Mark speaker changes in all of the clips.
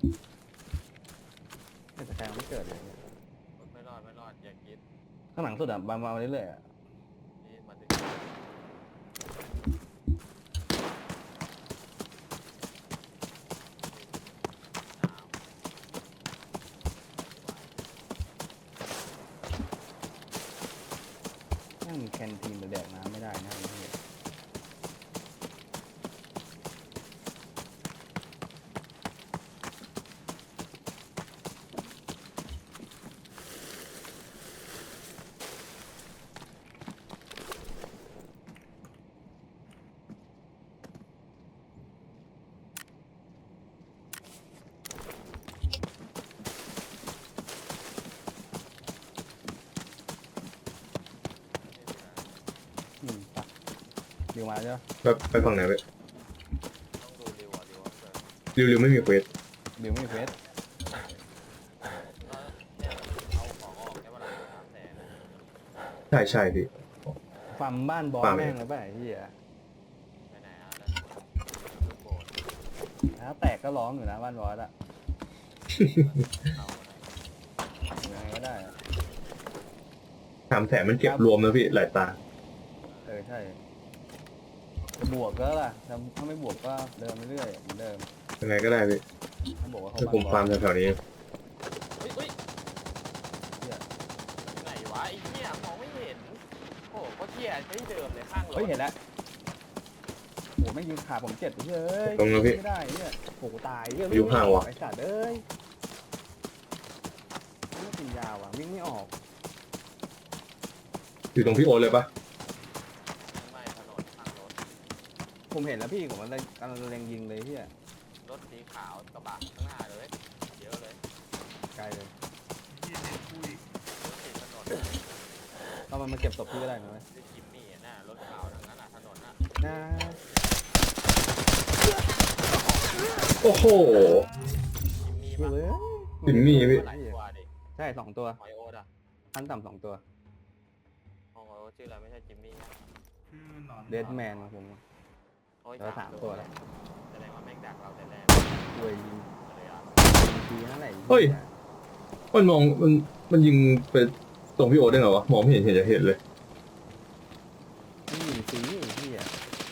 Speaker 1: แต่สกายมันไม่เกิดเลย
Speaker 2: ไม่รอดอย่าคิด
Speaker 1: ข้างหลังสุดอ่ะมาเรื่อยๆอ่ะ
Speaker 2: นี่มาถึง
Speaker 1: นั่งแคนทีนแดกน้ำไม่ได้นะไอ้เหี้ยปะเดี๋ยวมาใช่ปะ
Speaker 3: ไปฝั่งไหนไป
Speaker 2: ต้องดูริวอ่ะริวเกิด
Speaker 3: ริวไม่มีเควส
Speaker 1: เดี๋ยวไม่มีเฟส
Speaker 2: เนี่ยเอาของออกแค่เวลา300,000
Speaker 3: ใช่พี่
Speaker 1: ฟาร์มบ้านบอส
Speaker 3: ฟาร์ม
Speaker 1: แม่งเลยป่ะไอ้เหี้ย
Speaker 2: ไปไหนอ่ะแล้วลูกโบด
Speaker 1: ถ้าแตกก็ร้องอยู่นะบ้านบอสอ่ะ
Speaker 2: เอาอะไร
Speaker 1: ยังไงก็ได้อะ
Speaker 3: 300,000มันเก็บรวมนะพี่หลายตา
Speaker 1: ใช่จะบวกก็ล่ะถ้าไม่บวกก็เดินไปเรื่อยเหมือนเดิม
Speaker 3: ยังไงก็ได้พี่
Speaker 1: ถ้าบอกว่าเขา
Speaker 3: ถ้าผมฟาร์มแถวๆนี้
Speaker 2: เฮ้ยไหนวะไอ้เหี้ยมองไม่เห็นโอ้โหก็เหี้ยใช้เดิมเลยข้างรถ
Speaker 1: เฮ้ยเห็นแล้วโอ้ไม่ยิงขาผมเจ็บเฮ้ย
Speaker 3: ตรงแล้วพี่
Speaker 1: ไม่ได้เนี่ยโอ้ตายเฮ้ย
Speaker 3: อยู่ห่างว่ะ
Speaker 1: ไอ้สัตว์เอ้ยไม่กินยาว่ะวิ่งไม่ออก
Speaker 3: อยู่ตรงพี่โอ๊ตเลยปะ
Speaker 2: ไม่ถนนข้างรถ
Speaker 1: ผมเห็นแล้วพี่ผมกำลังเล็งยิงเลยเฮีย
Speaker 2: รถสีขาวกระบะข้างหน้าเลยเยอะเลย
Speaker 1: ไกลเลย
Speaker 2: รถติดถนน
Speaker 1: เอามันมาเก็บศพพี่ก็ได้นะเว้ย
Speaker 2: ที่จิมมี่น่ะรถขาวทางนั้นอ่ะถนนน่ะ
Speaker 1: นะ
Speaker 3: โอ้โห
Speaker 2: จิมมี่
Speaker 1: เฮ้
Speaker 2: ปะ
Speaker 1: ย
Speaker 3: จิมมี่พี่
Speaker 2: หลายตัวดิ
Speaker 1: ใช่2 ตัว
Speaker 2: หอยโอ๊ตอ่ะ
Speaker 1: ขั้นต่ำ2 ตัว
Speaker 2: หอยโอ๊ตชื่ออะไรไม่ใช่จิมมี่นะ
Speaker 1: เดดแมนของผม
Speaker 2: โอ้ย
Speaker 1: แล้ว3 ตัวแล้ว
Speaker 2: แสดงว่าแม่งดักเราแต่แรก
Speaker 1: ป่วยยิง
Speaker 2: เลยอ่ะ
Speaker 1: ทีนั่นแหละ
Speaker 3: เฮ้ย มันมองมันยิงไปตรงพี่โอ๊ตได้ไงวะมองไม่เห็นจะเห็นเลย
Speaker 1: มันยิงฟรีไอ้เฮีย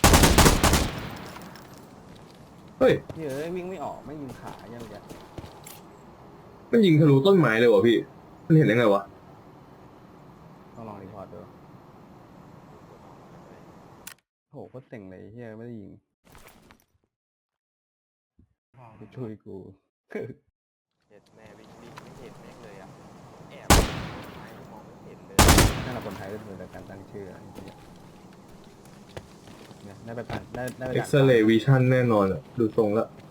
Speaker 3: เฮ้ย
Speaker 1: เฮ้ยวิ่งไม่ออกไม่ยิงขาอย่างเงี้ย
Speaker 3: มันยิงทะลุต้นไม้เลยวะพี่ มันเห็นได้ไงวะ
Speaker 1: ต้องลองรีพอร์ตดูโหโคตรเจ๋งเลยเฮียไม่ได้ยิงไปช่วยกู
Speaker 2: เห็ดแม่วิ่งไม่เห็นแม่งเลยอ่ะแอบไม่มองไม่เห็นเลย
Speaker 1: นั่นแหละคนไทยด้วยแต่การตั้งชื่ออะไรอย่างเงี้ยเนี่ยได้ไปปั่นได้ไป
Speaker 3: X-ray Vision แน่นอนอะดูทรงแล้ว